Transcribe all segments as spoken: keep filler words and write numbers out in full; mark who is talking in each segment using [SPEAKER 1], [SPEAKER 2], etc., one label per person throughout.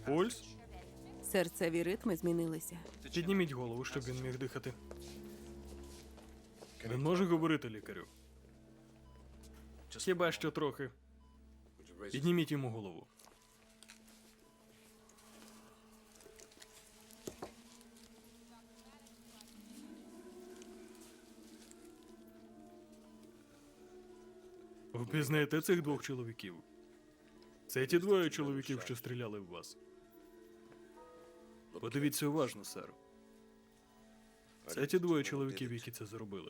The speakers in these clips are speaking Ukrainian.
[SPEAKER 1] Пульс?
[SPEAKER 2] Серцеві ритми змінилися.
[SPEAKER 1] Підніміть голову, щоб він міг дихати. Він може говорити, лікарю? Хіба що трохи. Підніміть йому голову. Впізнаєте цих двох чоловіків? Це ті двоє чоловіків, що стріляли в вас. Подивіться уважно, сер. Це ті двоє чоловіків, які це зробили.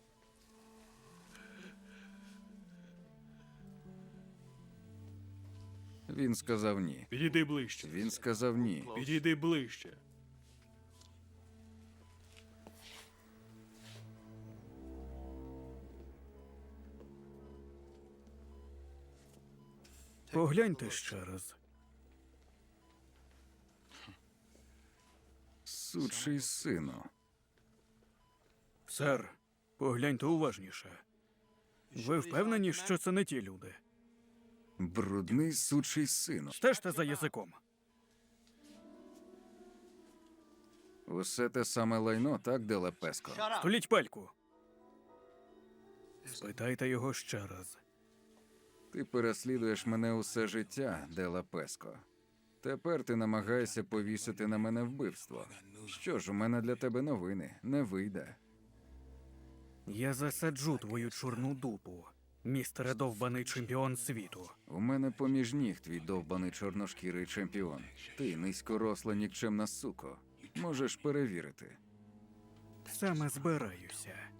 [SPEAKER 3] Він сказав ні.
[SPEAKER 1] Підійди ближче.
[SPEAKER 3] Він сказав ні.
[SPEAKER 1] Підійди ближче.
[SPEAKER 4] Погляньте ще раз.
[SPEAKER 3] Сучий сину.
[SPEAKER 4] Сер, погляньте уважніше. Ви впевнені, що це не ті люди?
[SPEAKER 3] Брудний сучий сину.
[SPEAKER 4] Стежте за язиком.
[SPEAKER 3] Усе те саме лайно, так, Деле Песко?
[SPEAKER 4] Століть пельку. Спитайте його ще раз.
[SPEAKER 3] Ти переслідуєш мене усе життя, Деле Песко. Тепер ти намагаєшся повісити на мене вбивство. Що ж, у мене для тебе новини. Не вийде.
[SPEAKER 4] Я засаджу твою чорну дупу, містере довбаний чемпіон світу.
[SPEAKER 3] У мене поміж ніг твій довбаний чорношкірий чемпіон. Ти низькоросла нікчемна суко. Можеш перевірити.
[SPEAKER 4] Саме збираюся.